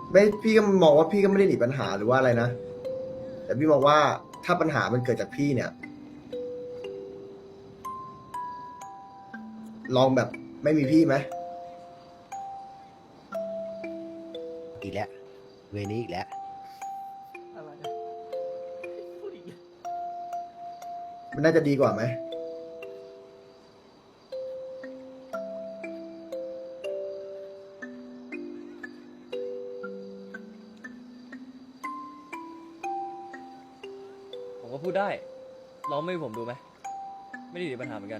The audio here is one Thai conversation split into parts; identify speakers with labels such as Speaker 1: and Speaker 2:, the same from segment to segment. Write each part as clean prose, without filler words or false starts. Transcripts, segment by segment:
Speaker 1: ไม่พี่ก็มองว่าพี่ก็ไม่ได้หนีปัญหาหรือว่าอะไรนะแต่พี่มองว่าถ้าปัญหามันเกิดจากพี่เนี่ยลองแบบไม่มีพี่ไหม
Speaker 2: อีกแล้วเวนี้อีกแล้ว
Speaker 3: อะไรอะพูดอีกแล้ว
Speaker 1: มันน่าจะดีกว่าไหม
Speaker 3: ผมก็พูดได้ลองไม่ให้ผมดูไหมไม่ได้มีปัญหาเหมือนกัน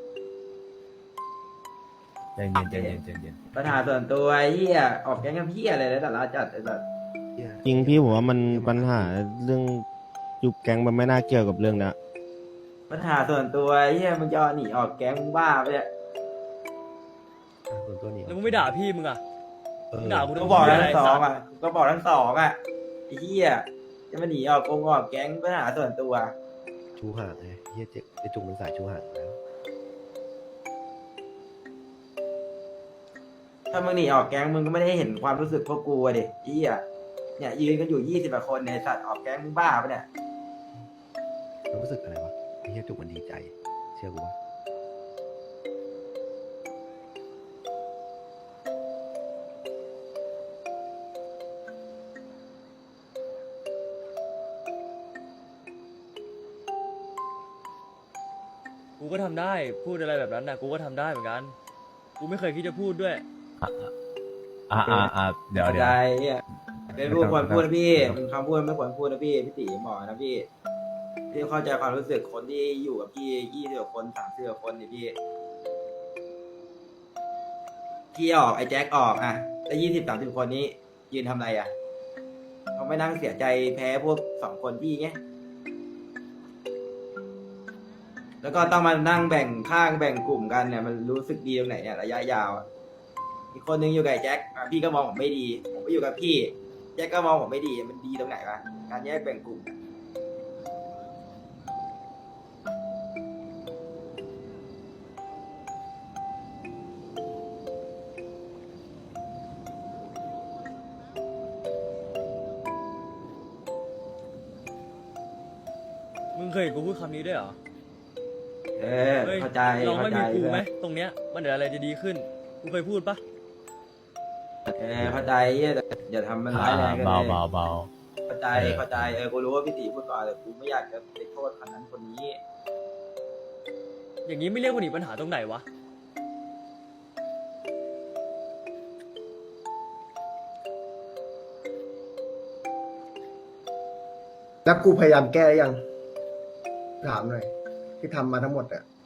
Speaker 4: ใจเย็นใจเย็นใจเย็น
Speaker 5: ปัญหาส่วนตัวไอ้เหี้ยออกแก๊งกับพี่อะไรแล้วแต่ละจัดไอ้สัส
Speaker 6: จริงพี่ผมว่ามันปัญหาเรื่องยุบแก๊งมันไม่น่าเกี่ยวกับเรื่องนะ
Speaker 5: ปัญหาส่วนตัวไอ้เหี้ยมึงจะเอาหนีออกแก๊งมึงบ้าไปเนี่ย
Speaker 2: ส่วนตัวนี้
Speaker 3: แล้วมึงไม่ด่าพี่มึงอ่ะ มึงด่ากู
Speaker 5: ก็
Speaker 3: ทำ
Speaker 5: บอก
Speaker 3: เหี้ยอะไร
Speaker 5: ทั้งสอง
Speaker 3: สัตว์
Speaker 5: อ่ะก็บอกทั้งสองอ่ะไอ้เหี้ยจะมาหนีออกออกแก๊งปัญหาส่วนตัว
Speaker 2: ชูห่างไงเฮียเจ๊ไอจุงมันสายชูห่างแล้ว
Speaker 5: ถ้ามึงหนีออกแก๊งมึงก็ไม่ได้เห็นความรู้สึกพวกกูอะดิไอ้เหี้ยเนี่ยยืนกันอยู่20 กว่าคนในยสัตว์ออกแก๊งมึงบ้าปะเนี่ย
Speaker 2: เรารู้สึกอะไรวะไอเฮียจุงมันดีใจ เชื่อกูว่า
Speaker 3: กูก็ทำได้พูดอะไรแบบนั้นนะกูก็ทำได้เหมือนกันกูไม่เคยคิดจะพูดด้วย
Speaker 4: เดี๋ยว
Speaker 5: เข้า
Speaker 4: เดี๋
Speaker 5: ใจ
Speaker 4: ยว
Speaker 5: ไอ้เหี้ยเป็นพูดควรพูดนะพี่มันคำพูดไม่ควรพูดนะพี่พี่ตีบอกนะพี่พี่เข้าใจความรู้สึกคนที่อยู่กับพี่20 กว่าคน30 กว่าคนนี่พี่ออกไอ้แจ็คออกอ่ะแล้ว20-30 คนนี้ยืนทำอะไรอ่ะเขาไม่นั่งเสียใจแพ้พวก2 คนพี่ไงแล้วก็ต้องมานั่งแบ่งข้างแบ่งกลุ่มกันเนี่ยมันรู้สึกดีตรงไหนเนี่ยระยะยาวอะอีกคนนึงอยู่กับไอ้แจ็คอ่ะพี่ก็มองผมไม่ดี ผมก็อยู่กับพี่แจ็คก็มองผมไม่ดีมันดีตรงไหนวะการแยกแบ่งกลุ่ม
Speaker 3: มึงเคยเห็นกูพูดคำนี้ด้วยเหรอ
Speaker 5: เออ
Speaker 3: เฮ้ย
Speaker 5: เข้าใจ
Speaker 3: ลอง
Speaker 5: เข้า
Speaker 3: ไม่
Speaker 5: ใจ
Speaker 3: มีกู
Speaker 5: เพื่อน
Speaker 3: ไหมตรงเนี้ยมันเดี๋ยวอะไรจะดีขึ้นกูเคยพูดปะ
Speaker 5: เข้าใจเหี้ยแต่อย่าทำมันร้ายแรงกัน
Speaker 4: เบา
Speaker 5: เลย
Speaker 4: เบาเบา
Speaker 5: เข้าใจเข้าใจกูรู้ว่าพี่ตีพูดก่อนแต่กูไม่อยากจะไปโทษคนนั้นคนนี้
Speaker 3: อย่างนี้ไม่เรียกว่าหนีปัญหาตรงไหนวะ
Speaker 1: แล้วกูพยายามแก้หรือยังถามหน่อยที่ทำมาทั้งหมดอะ